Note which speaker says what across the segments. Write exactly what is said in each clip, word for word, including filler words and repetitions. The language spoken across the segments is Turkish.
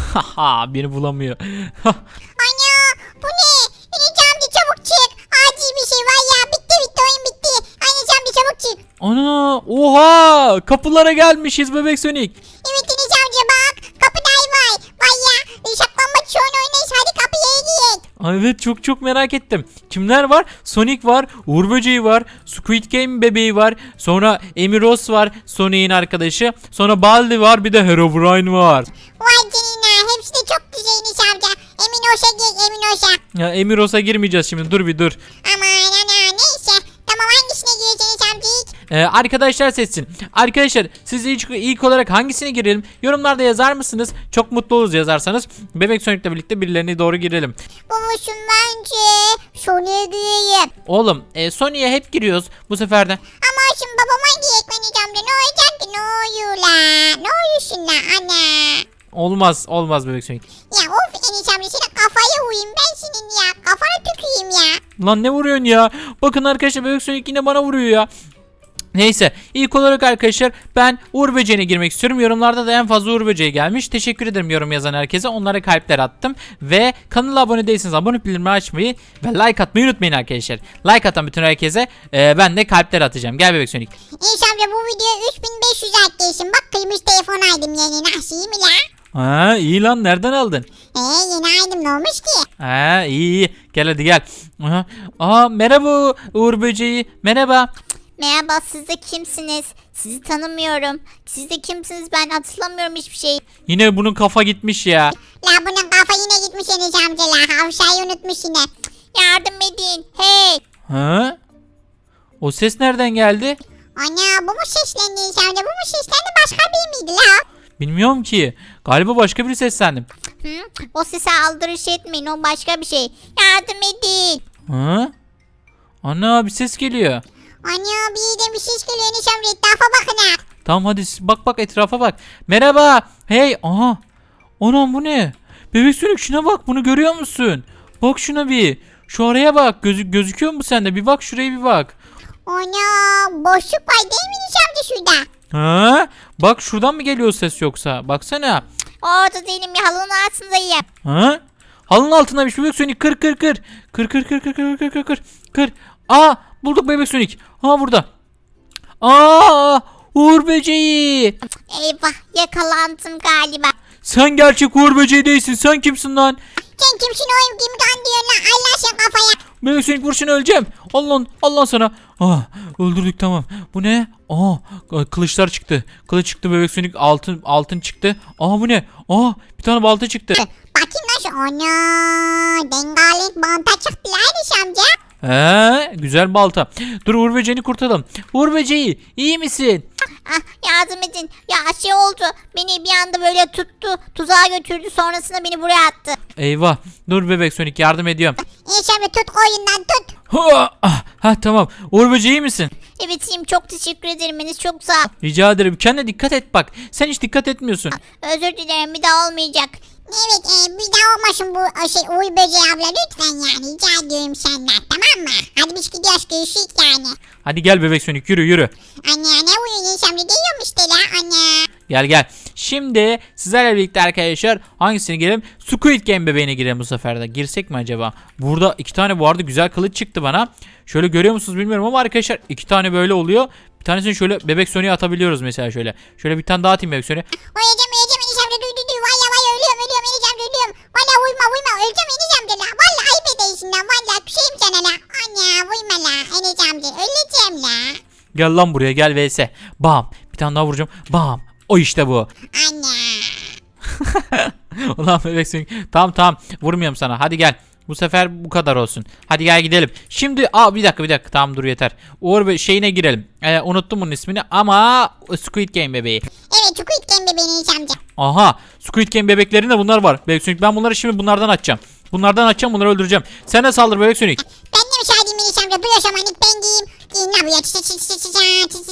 Speaker 1: Haha beni bulamıyor.
Speaker 2: Ana bu ne? Enes amca çabuk çık. Acil bir şey var ya. Bitti bitti oyun bitti. Enes amca çabuk çık.
Speaker 1: Ana oha kapılara gelmişiz bebek Sonic.
Speaker 2: Evet Enes amca bak. Kapıda ay var. Vay ya. Saklanmaç şu an oynayız. Hadi kapıya gidelim.
Speaker 1: Ay, evet çok çok merak ettim. Kimler var? Sonic var, Uğur Böceği var, Squid Game bebeği var, sonra Emiros var, Sonic'in arkadaşı, sonra Baldi var, bir de Herobrine var.
Speaker 2: Vay canına. Hepsi de çok güzel Enes amca. Emin olsa gel emin olsa.
Speaker 1: Ya Emiros'a girmeyeceğiz şimdi. Dur bir dur.
Speaker 2: Aman ana neyse. Tamam hangisine gireceğiz Enes amca ilk?
Speaker 1: Ee, arkadaşlar seçsin. Arkadaşlar siz ilk, ilk olarak hangisine girelim? Yorumlarda yazar mısınız? Çok mutlu oluruz yazarsanız. Bebek Sonic'le birlikte birilerine doğru girelim.
Speaker 2: Bulmuşum bence. Sonuya gireyim.
Speaker 1: Oğlum e, Sonic'e hep giriyoruz bu sefer de.
Speaker 2: Ama şimdi babama giyek Enes amca. Ne olacak ki? Ne oluyor la? Ne oluyorsun la ana?
Speaker 1: Olmaz olmaz Bebek Sonic.
Speaker 2: Ya of Enes amca senin kafaya vurayım ben senin ya. Kafana tüküreyim ya.
Speaker 1: Lan ne vuruyorsun ya? Bakın arkadaşlar Bebek Sonic yine bana vuruyor ya. Neyse ilk olarak arkadaşlar ben Uğur Böceği'ne girmek istiyorum. Yorumlarda da en fazla Uğur Böceği gelmiş. Teşekkür ederim yorum yazan herkese. Onlara kalpler attım. Ve kanala abone değilseniz abone bildirimi açmayı ve like atmayı unutmayın arkadaşlar. Like atan bütün herkese e, ben de kalpler atacağım. Gel Bebek Sonic.
Speaker 2: Enes amca bu videoya üç bin beş yüz like gelsin. Bak kıymış telefon aldım yeni. Nasıl iyi mi la?
Speaker 1: Ha iyi lan nereden aldın?
Speaker 2: Eee yeni aldım ne olmuş ki?
Speaker 1: Ha iyi iyi. Gel hadi gel. Aha. Aa merhaba Uğur Böceği. Merhaba.
Speaker 3: Merhaba, siz de kimsiniz? Sizi tanımıyorum. Siz de kimsiniz, ben hatırlamıyorum hiçbir şey.
Speaker 1: Yine bunun kafa gitmiş ya.
Speaker 2: La bunun kafa yine gitmiş Enes amca la. Havşayı unutmuş yine.
Speaker 3: Yardım edin. Hey.
Speaker 1: Ha? O ses nereden geldi?
Speaker 2: Ana bu mu seslendi Enes amca? Bu mu seslendi başka bir miydi la?
Speaker 1: Bilmiyorum ki. Galiba başka biri seslendim.
Speaker 3: Hı? O sese aldırış etmeyin, o başka bir şey. Yardım edin.
Speaker 1: Ha? Ana bir ses geliyor.
Speaker 2: Ana bir de bir ses geliyor Enes amca. Etrafa bakın ha.
Speaker 1: Tamam hadi bak bak etrafa bak. Merhaba. Hey aha. Anam bu ne? Bebek Sonic şuna bak bunu görüyor musun? Bak şuna bir. Şu araya bak. Gözü gözüküyor mu sende? Bir bak şuraya bir bak.
Speaker 2: Ana boşluk var değil mi Enes amca şurada?
Speaker 1: Ha? Bak şuradan mı geliyor ses yoksa? Baksana.
Speaker 3: Orada değilim ya, halının altındayım.
Speaker 1: Ha? Halının altında bir Bebek Sonic kır kır kır. Kır kır kır kır kır kır kır kır. Kır. Aa bulduk Bebek Sonic. Ha burada. Aa Uğur Böceği.
Speaker 3: Eyvah, yakalandım galiba.
Speaker 1: Sen gerçek Uğur Böceği değilsin. Sen kimsin lan?
Speaker 2: Sen kimsin oyun kim kan diyor lan Allah sen kafaya.
Speaker 1: Bebek Sonic vur şunu öleceğim. Allah Allah sana. Ah öldürdük tamam. Bu ne? Aa kılıçlar çıktı. Kılıç çıktı Bebek Sonic altın altın çıktı. Aa bu ne? Aa bir tane balta çıktı.
Speaker 2: Bakayım nasıl ana dengalenk banta çıktı lan Enes amca.
Speaker 1: He güzel balta. Dur Uğur Böceği'ni kurtaralım. Uğur Böceği iyi misin?
Speaker 3: Ah, yardım edin. Ya şey oldu. Beni bir anda böyle tuttu. Tuzağa götürdü. Sonrasında beni buraya attı.
Speaker 1: Eyvah. Dur Bebek Sonic yardım ediyorum.
Speaker 2: Enes amca tut koyundan tut.
Speaker 1: Ha, ah, ha tamam. Uğur Böceği iyi misin?
Speaker 3: Evet iyiyim. Çok teşekkür ederim. Enes çok sağ ol.
Speaker 1: Rica ederim. Kendine dikkat et bak. Sen hiç dikkat etmiyorsun.
Speaker 3: Özür dilerim. Bir daha olmayacak.
Speaker 2: Evet e, bir daha olmasın bu şey Uğur Böceği abla lütfen yani rica ediyorum senden tamam mı? Hadi biz gidiyoruz görüşürüz yani.
Speaker 1: Hadi gel Bebek Sonic yürü yürü.
Speaker 2: Anne ne uyuyor Enes amca diyorum işte la anne.
Speaker 1: Gel gel. Şimdi sizlerle birlikte arkadaşlar hangisine girelim? Squid Game bebeğine girelim bu sefer de. Girsek mi acaba? Burada iki tane bu arada güzel kılıç çıktı bana. Şöyle görüyor musunuz bilmiyorum ama arkadaşlar iki tane böyle oluyor. Bir tanesini şöyle Bebek Sonic'e atabiliyoruz mesela şöyle. Şöyle bir tane daha atayım Bebek Sonic'e.
Speaker 2: Uyuyacağım uyuyacağım Enes amca duy duy duy valla valla ölüyorum ölüyorum Enes amca ölüyorum. Valla uyuma uyuma öleceğim Enes amca la. Valla ayıp edeysin lan valla küseyim sana la. Anne uyuma la Enes amca öleceğim la.
Speaker 1: Gel lan buraya gel V S. Bam. Bir tane daha vuracağım. Bam. O işte bu.
Speaker 2: Anne.
Speaker 1: Ulan Bebek Sonic. Tamam tamam. Vurmuyorum sana. Hadi gel. Bu sefer bu kadar olsun. Hadi gel gidelim. Şimdi aa bir dakika bir dakika. Tamam dur yeter. Uğur Bey şeyine girelim. Ee, unuttum bunun ismini ama Squid Game bebeği.
Speaker 2: Evet Squid Game bebeğin Enes amca.
Speaker 1: Aha. Squid Game bebeklerinde bunlar var. Bebek Sonic ben bunları şimdi bunlardan açacağım. Bunlardan açacağım bunları öldüreceğim. Sen de saldır Bebek Sonic.
Speaker 2: Ben de müsaadeyim Enes amca duy o zaman ilk ben giyeyim. Giyin la buraya çı çı çı çı çı çı çı.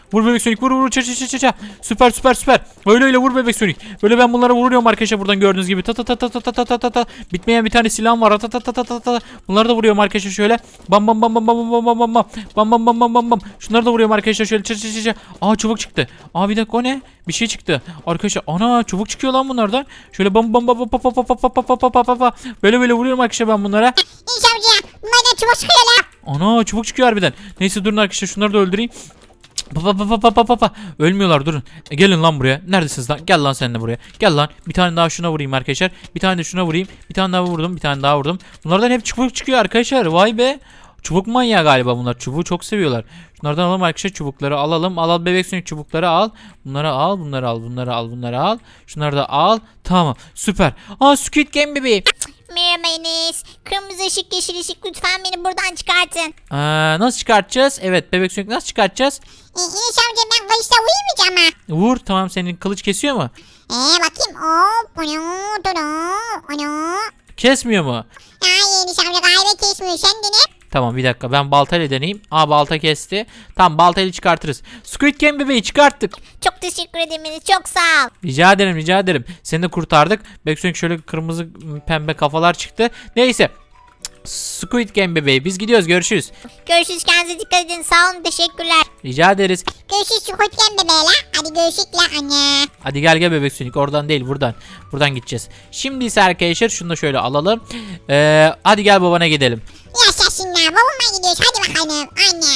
Speaker 1: Vur bebek Sonic vur vur. Ça ça ça ça. Süper süper süper. Öyle öyle vur bebek Sonic. Böyle ben bunlara vuruyorum arkadaşlar buradan gördüğünüz gibi. Ta ta ta ta ta ta ta ta ta. Bitmeyen bir tane silahım var. Ta ta ta ta ta ta. Bunları da vuruyorum arkadaşlar şöyle. Bam bam bam bam bam bam bam bam bam. Bam bam bam bam bam bam. Şunları da vuruyorum arkadaşlar şöyle. Ça ça ça ça. Aa çubuk çıktı. Aa bir dakika o ne? Bir şey çıktı. Arkadaşlar ana çubuk çıkıyor lan bunlardan. Şöyle bam bam bam bam bam bam bam bam bam bam bam. Böyle böyle vuruyorum arkadaşlar ben bunlara.
Speaker 2: Enes amca bunlardan çubuk çıkıyor la.
Speaker 1: Ana çubuk çıkıyor harbiden. Neyse durun arkadaşlar şunları da öldüreyim. Pa pa pa pa pa pa pa. Ölmüyorlar durun. E, gelin lan buraya. Neredesiniz lan? Gel lan sen de buraya. Gel lan. Bir tane daha şuna vurayım arkadaşlar. Bir tane de şuna vurayım. Bir tane daha vurdum. Bir tane daha vurdum. Bunlardan hep çubuk çıkıyor arkadaşlar. Vay be. Çubuk manyağı galiba bunlar. Çubuğu çok seviyorlar. Şunlardan alalım arkadaşlar çubukları alalım. Al al bebek Sonic çubukları al. Bunları al, bunları al, bunları al, bunları al. Şunları da al. Tamam. Süper. Aa Squid Game bebeği.
Speaker 3: Merhaba Enes. Kırmızı ışık yeşil ışık lütfen beni buradan çıkartın.
Speaker 1: Aa, nasıl çıkartacağız? Evet bebek Sonic nasıl çıkartacağız?
Speaker 2: E, Enes amca ben kılıçla uyumayacağım ha.
Speaker 1: Vur tamam senin kılıç kesiyor mu?
Speaker 2: Eee bakayım. Hop. Onu. Onu. Onu.
Speaker 1: Kesmiyor mu?
Speaker 2: Ay Enes amca galiba kesmiyor. Sen dene.
Speaker 1: Tamam bir dakika ben baltayla deneyeyim. Aa balta kesti. Tamam baltayla çıkartırız. Squid Game bebeği çıkarttık.
Speaker 3: Çok teşekkür ederim Enes. Çok sağ ol.
Speaker 1: Rica ederim rica ederim. Seni de kurtardık. Beksonik şöyle kırmızı pembe kafalar çıktı. Neyse. Squid Game bebeği biz gidiyoruz görüşürüz.
Speaker 3: Görüşürüz, kendinize dikkat edin. Sağ olun, teşekkürler.
Speaker 1: Rica ederiz.
Speaker 2: Görüşürüz Squid Game bebeğe la. Hadi görüşürüz la anne.
Speaker 1: Hadi gel gel bebek Sonic oradan değil buradan. Buradan gideceğiz. Şimdi ise arkadaşlar şunu da şöyle alalım. Ee, hadi gel babana gidelim.
Speaker 2: Yaşasın la. Babama gidiyoruz. Hadi bakalım. Anne.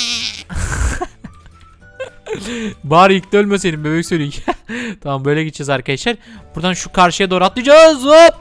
Speaker 1: Bari ilk de ölmeseydin bebek Sonic. Tamam böyle gideceğiz arkadaşlar. Buradan şu karşıya doğru atlayacağız. Hop.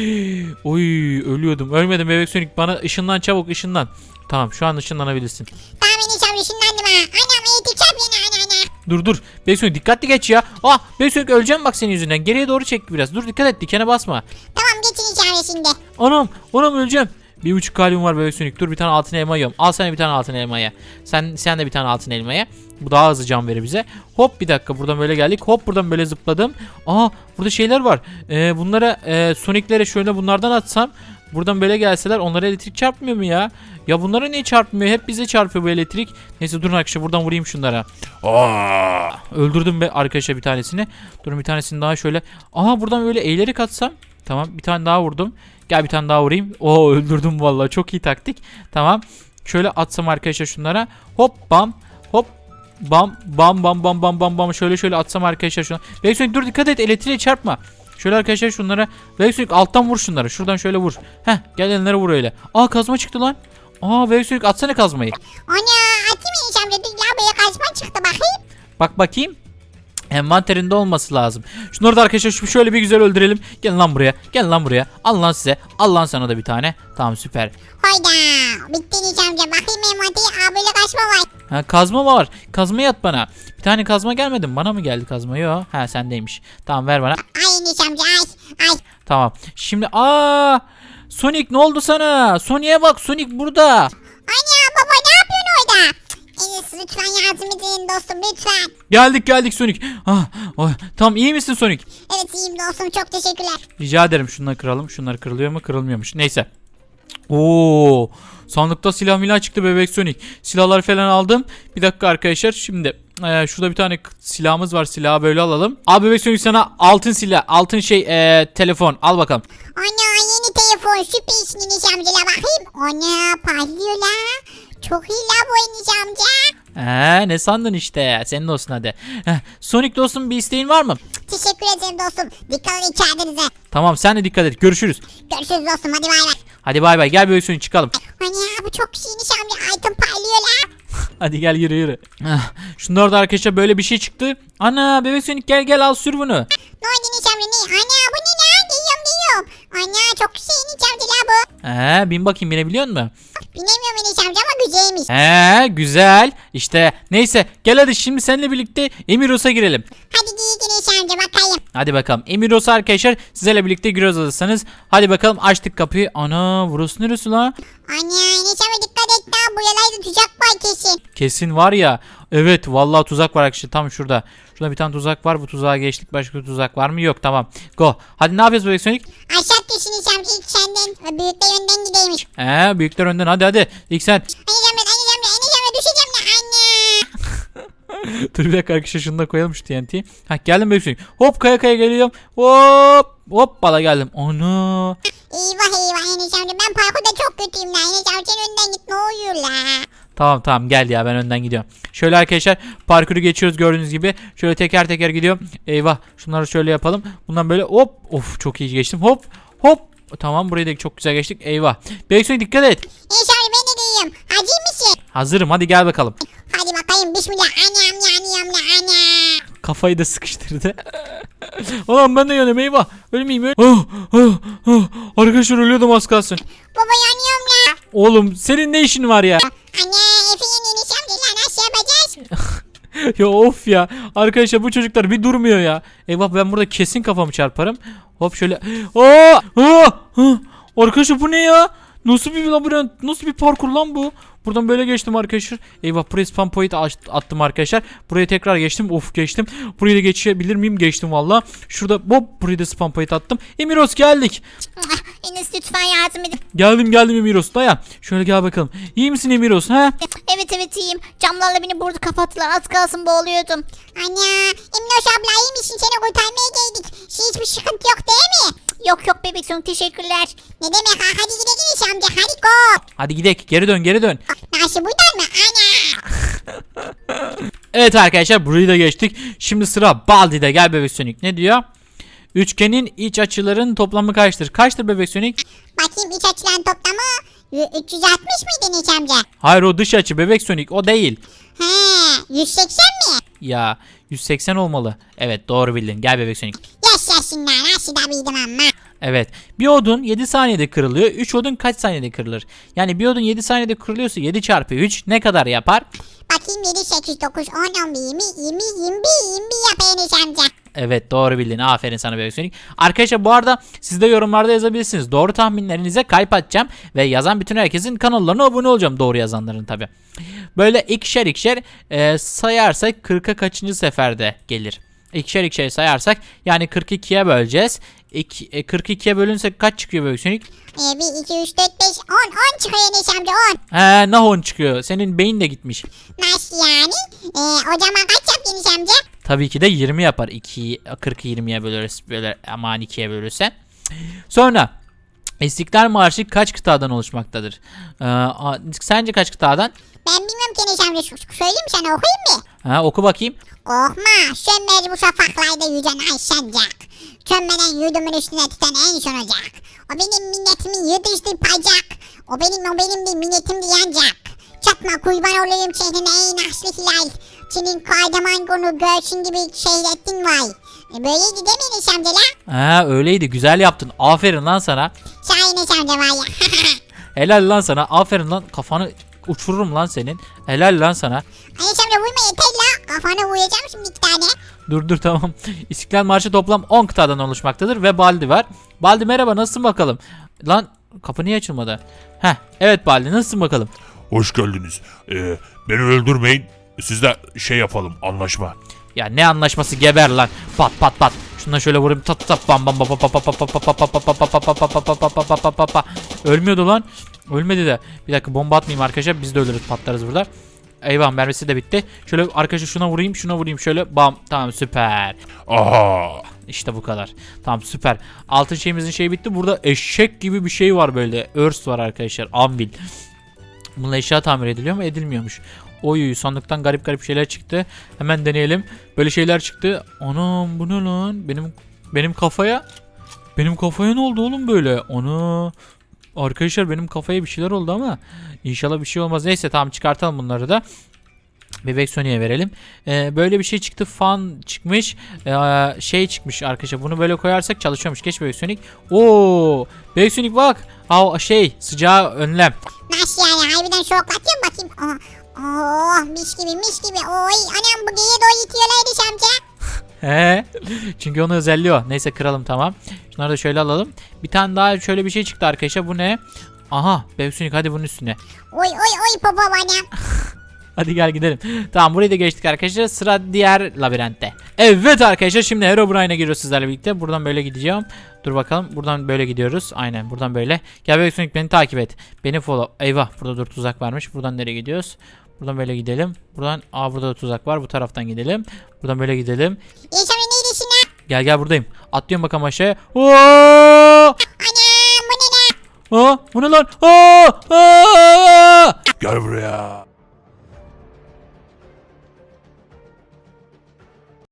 Speaker 1: Oy ölüyordum. Ölmedim bebek Sonic bana ışınlan çabuk ışınlan. Tamam şu an ışınlanabilirsin.
Speaker 2: Tamam Enes amca şundandım ha. Anam eğitim çarp yine anne anne.
Speaker 1: Dur dur. Bebek Sonic dikkatli geç ya. Ah bebek Sonic öleceğim bak senin yüzünden. Geriye doğru çek biraz. Dur dikkat et dikene basma.
Speaker 2: Tamam geçin Enes amca şimdi.
Speaker 1: Anam anam öleceğim. Bir buçuk kalbim var bebek Sonic. Dur bir tane altın elma yiyorum. Al sana bir tane altın elmaya. Sen sen de bir tane altın elmaya. Bu daha hızlı can verir bize. Hop bir dakika buradan böyle geldik. Hop buradan böyle zıpladım. Aa burada şeyler var. Ee, bunlara e, Sonic'lere şöyle bunlardan atsam. Buradan böyle gelseler onlara elektrik çarpmıyor mu ya? Ya bunlara niye çarpmıyor? Hep bize çarpıyor bu elektrik. Neyse durun arkadaşlar buradan vurayım şunlara. Aa, öldürdüm be arkadaşlar bir tanesini. Durun bir tanesini daha şöyle. Aha buradan böyle eğilerek atsam. Tamam bir tane daha vurdum. Gel bir tane daha vurayım. Oo öldürdüm vallahi çok iyi taktik. Tamam. Şöyle atsam arkadaşlar şunlara. Hop bam. Hop bam bam bam bam bam bam bam. Şöyle şöyle atsam arkadaşlar şuna. Bebek Sonic dur dikkat et elektriğe çarpma. Şöyle arkadaşlar şunlara. Bebek Sonic alttan vur şunlara. Şuradan şöyle vur. Heh gel elinlere vur öyle. Aa kazma çıktı lan. Aa Bebek Sonic atsana kazmayı.
Speaker 2: Ana atayım Enes amca. Dur la böyle kaçma çıktı bakayım.
Speaker 1: Bak bakayım. Envanterinde olması lazım. Şunları da arkadaşlar şöyle bir güzel öldürelim. Gel lan buraya. Gel lan buraya. Al lan size. Al lan sana da bir tane. Tamam süper.
Speaker 2: Hayda. Bitti Enes amca. Bakayım envanteri. Aa böyle kaçma var.
Speaker 1: Ha kazma var. Kazmayı at bana. Bir tane kazma gelmedi mi? Bana mı geldi kazma? Yok. Ha sendeymiş. Tamam ver bana.
Speaker 2: Ay Enes amca ay. Ay.
Speaker 1: Tamam. Şimdi aa Sonic ne oldu sana? Sonic'e bak. Sonic burada.
Speaker 2: Ana baba ne yapıyorsun orada? Enes lütfen yardım edin dostum lütfen.
Speaker 1: Geldik geldik Sonic. Ah, oh, tamam iyi misin Sonic?
Speaker 2: Evet iyiyim dostum çok teşekkürler.
Speaker 1: Rica ederim şunları kıralım. Şunlar kırılıyor mu? Kırılmıyormuş. Neyse. Oo, sandıkta silah milah çıktı bebek Sonic. Silahları falan aldım. Bir dakika arkadaşlar. Şimdi e, şurada bir tane silahımız var. Silahı böyle alalım. Abi bebek Sonic sana altın silah, altın şey e, telefon. Al bakalım.
Speaker 2: Ana yeni telefon süpersin Enes amcayla bakayım. Ana parlıyor la. Çok iyi la bu Enes amca.
Speaker 1: He, ne sandın işte? Senin olsun hadi. Heh, Sonic dostum bir isteğin var mı?
Speaker 2: Teşekkür ederim dostum. Dikkat edin kendinize.
Speaker 1: Tamam sen de dikkat et. Görüşürüz.
Speaker 2: Görüşürüz dostum hadi bay bay.
Speaker 1: Hadi bay bay. Gel bebek Sonic çıkalım.
Speaker 2: Ana bu çok iyi Enes amca. Item parlıyor la.
Speaker 1: Hadi gel yürü yürü. Ah, şunlar da arkadaşlar böyle bir şey çıktı. Ana bebek Sonic gel gel al sür bunu.
Speaker 2: Ne oldu Enes amca ne? Ana bu ne la? Geliyorum geliyorum. Ana çok güzel Enes amca la bu.
Speaker 1: He, bin bakayım binebiliyor musun?
Speaker 2: Bilemiyorum Enes amca ama güzelmiş.
Speaker 1: He, güzel. İşte neyse gel hadi şimdi seninle birlikte Emiros'a girelim.
Speaker 2: Hadi giyin Enes amca bakayım.
Speaker 1: Hadi bakalım. Emiros'a arkadaşlar sizlerle birlikte giriyoruz alırsanız. Hadi bakalım açtık kapıyı. Ana burası neresi la?
Speaker 2: Ana Enes amca dikkat et la. Bu yalayda tuzak var kesin.
Speaker 1: Kesin var ya. Evet vallahi tuzak var arkadaşlar tam şurada. Şurada bir tane tuzak var. Bu tuzağa geçtik. Başka bir tuzak var mı? Yok tamam. Go. Hadi ne yapıyoruz bebek Sonic?
Speaker 2: Aşağı düşün Enes amca ilk senden. Büyükler önden gideymiş.
Speaker 1: He, büyükler önden hadi hadi. İlk sen.
Speaker 2: Enes amca Enes amca Enes amca düşeceğim la anne.
Speaker 1: Dur bir dakika arkadaşlar şunu da koyalım şu T N T'yi. Ha geldim bebek Sonic. Hop kaya kaya geliyorum. Hop. Hop bala geldim. Onu.
Speaker 2: Eyvah eyvah Enes amca ben parkurda çok kötüyüm la. Enes amca sen önden git ne oluyor la.
Speaker 1: Tamam tamam gel ya ben önden gidiyorum. Şöyle arkadaşlar parkuru geçiyoruz gördüğünüz gibi. Şöyle teker teker gidiyorum. Eyvah şunları şöyle yapalım. Bundan böyle hop. Of çok iyi geçtim. Hop hop. Tamam burayı da çok güzel geçtik. Eyvah. Bebek Sonic dikkat et.
Speaker 2: Enes amca ben de diyeyim. Hacı mısın?
Speaker 1: Hazırım hadi gel bakalım.
Speaker 2: Hadi bakayım bismillah. Anam yanıyorum la ana.
Speaker 1: Kafayı da sıkıştırdı. Anam ben de yanıyorum eyvah. Ölmeyeyim öl. Ah, ah, ah. Arkadaşlar ölüyordum az kalsın.
Speaker 2: Baba yanıyorum la.
Speaker 1: Oğlum senin ne işin var ya?
Speaker 2: Ana Efe'nin Enes amca la nasıl yapacağız?
Speaker 1: Ya of ya. Arkadaşlar bu çocuklar bir durmuyor ya. Eyvah ben burada kesin kafamı çarparım. Hop şöyle. Aa! Aa! Ah! Arkadaşlar bu ne ya? Nasıl bir labirent? Nasıl bir parkur lan bu? Buradan böyle geçtim arkadaşlar. Eyvah buraya spam point attım arkadaşlar. Buraya tekrar geçtim. Of geçtim. Burayı da geçebilir miyim? Geçtim valla. Şurada hop burayı da spam point attım. Emiros geldik.
Speaker 3: Enes lütfen yardım edin.
Speaker 1: Geldim geldim Emiros dayan. Şöyle gel bakalım. İyi misin Emiros ha?
Speaker 3: Evet evet iyiyim. Camlarla beni burada kapattılar. Az kalsın boğuluyordum.
Speaker 2: Ana Emnoş abla iyi misin? Seni kurtarmaya geldik. Hiçbir sıkıntı yok değil mi?
Speaker 3: Yok yok bebek Sonic teşekkürler.
Speaker 2: Ne demek ha? Hadi gidelim Enes amca. Hadi go.
Speaker 1: Hadi gidelim. Geri dön geri dön.
Speaker 2: Nasıl buradan mı? Ana.
Speaker 1: Evet arkadaşlar burayı da geçtik. Şimdi sıra Baldi'de. Gel bebek Sonic. Ne diyor? Üçgenin iç açıların toplamı kaçtır? Kaçtır bebek Sonic?
Speaker 2: Bakayım iç açılan toplamı üç yüz altmış mıydı Enes amca?
Speaker 1: Hayır o dış açı bebek Sonic o değil.
Speaker 2: He yüz seksen mi?
Speaker 1: Ya yüz seksen olmalı. Evet doğru bildin. Gel bebek Sonic.
Speaker 2: Yaşasınlar nasıl da bildim ama.
Speaker 1: Evet. Bir odun yedi saniyede kırılıyor. üç odun kaç saniyede kırılır? Yani bir odun yedi saniyede kırılıyorsa yedi çarpı üç ne kadar yapar?
Speaker 2: Bakayım yedi, sekiz, dokuz, on, on bir, yirmi, yirmi, yirmi bir, yirmi bir yap Enes amca.
Speaker 1: Evet doğru bildin. Aferin sana bebek Sonic. Arkadaşlar bu arada siz de yorumlarda yazabilirsiniz. Doğru tahminlerinize kalp atacağım. Ve yazan bütün herkesin kanallarına abone olacağım. Doğru yazanların tabi. Böyle ikişer ikişer e, sayarsak kırka kaçıncı seferde gelir? İkişer ikişer sayarsak yani kırk ikiye böleceğiz. İki, e, kırk ikiye bölünse kaç çıkıyor bebek Sonic?
Speaker 2: Ee, bir, iki, üç, dört, beş, on, on çıkıyor Enes amca on.
Speaker 1: He nah on çıkıyor. Senin beyin de gitmiş.
Speaker 2: Nasıl yani? Ee, o zaman kaç yaptı Enes amca?
Speaker 1: Tabii ki de yirmi yapar. ikiyi kırkı yirmiye bölürüz. Böyle aman ikiye bölürsen. Sonra İstiklal Marşı kaç kıtadan oluşmaktadır? Ee, a- sence kaç kıtadan?
Speaker 2: Ben bilmiyorum ki Enes amca. Söyleyeyim sana okuyayım mı?
Speaker 1: Ha, oku bakayım.
Speaker 2: Korkma, sönmez bu şafaklarda yüzen ay sancak. Sönmeden yurdumun üstüne tutan en son ocak. O benim minnetimin yıldızlayacak. O benim o benim bir minnetimdi yancak. Çakma kurban olayım şehrine ey naslı hilal. Senin kahraman konu görsün gibi şehrettin vay. E, böyleydi değil mi Enes amca la?
Speaker 1: Ha öyleydi güzel yaptın. Aferin lan sana.
Speaker 2: Şahin Enes amca var ya.
Speaker 1: Helal lan sana. Aferin lan kafanı uçururum lan senin. Helal lan sana.
Speaker 2: Enes amca vurma yeter la. Kafana vuracağım şimdi iki tane.
Speaker 1: Dur dur tamam. İstiklal Marşı toplam on kıtadan oluşmaktadır ve Baldi var. Baldi merhaba nasılsın bakalım? Lan kapı niye açılmadı? Heh evet Baldi nasılsın bakalım?
Speaker 4: Hoş geldiniz. Ee, beni öldürmeyin. Sizle şey yapalım, anlaşma.
Speaker 1: Ya ne anlaşması geber lan. Pat pat pat. Şundan şöyle vurayım. Tat tat bam bam bam bam bam bam bam bam bam bam. Ölmüyordu lan. Ölmedi de. Bir dakika bomba atmayayım arkadaşlar. Biz de ölürüz patlarız burada. Eyvah mermisi de bitti. Şöyle arkadaşlar şuna vurayım şuna vurayım şöyle bam. Tamam süper.
Speaker 4: Aha.
Speaker 1: İşte bu kadar. Tamam süper. Altın şeyimizin şeyi bitti. Burada eşek gibi bir şey var böyle. Örs var arkadaşlar. Anvil. Bununla eşya tamir ediliyor mu? Edilmiyormuş. Oy sandıktan garip garip şeyler çıktı. Hemen deneyelim. Böyle şeyler çıktı. Anam bu ne lan? Benim benim kafaya benim kafaya ne oldu oğlum böyle? Ana. Arkadaşlar benim kafaya bir şeyler oldu ama inşallah bir şey olmaz. Neyse tamam çıkartalım bunları da. Bebek Sony'e verelim. Ee, böyle bir şey çıktı. Fan çıkmış. Ee, şey çıkmış arkadaşlar. Bunu böyle koyarsak çalışıyormuş. Geç Bebek Sonic. Oo! Bebek Sonic bak. Aa, şey sıcağı önlem.
Speaker 2: Nasıl yani? Harbiden şoklatıyor bakayım. Oh, oh mis gibi mis gibi. Oy anam bu geye doğru itiyorlar Enes amca.
Speaker 1: He. Çünkü onun özelliği o. Neyse kıralım tamam. Şunları da şöyle alalım. Bir tane daha şöyle bir şey çıktı arkadaşlar. Bu ne? Aha. Bebek Sonic hadi bunun üstüne.
Speaker 2: Oy oy oy popo bana.
Speaker 1: Hadi gel gidelim. Tamam burayı da geçtik arkadaşlar. Sıra diğer labirentte. Evet arkadaşlar şimdi Herobrine'e giriyoruz sizlerle birlikte. Buradan böyle gideceğim. Dur bakalım. Buradan böyle gidiyoruz. Aynen buradan böyle. Gel Bebek Sonic beni takip et. Beni follow. Eyvah burada dur tuzak varmış. Buradan nereye gidiyoruz? Buradan böyle gidelim. Buradan aa burada da tuzak var. Bu taraftan gidelim. Buradan böyle gidelim.
Speaker 2: İnsan neydesin lan?
Speaker 1: Gel gel buradayım. Atlıyorum bakalım aşağıya. Oo!
Speaker 2: Anam bu ne lan?
Speaker 1: Aa, bu ne lan? Aa! Aa!
Speaker 4: Gel buraya.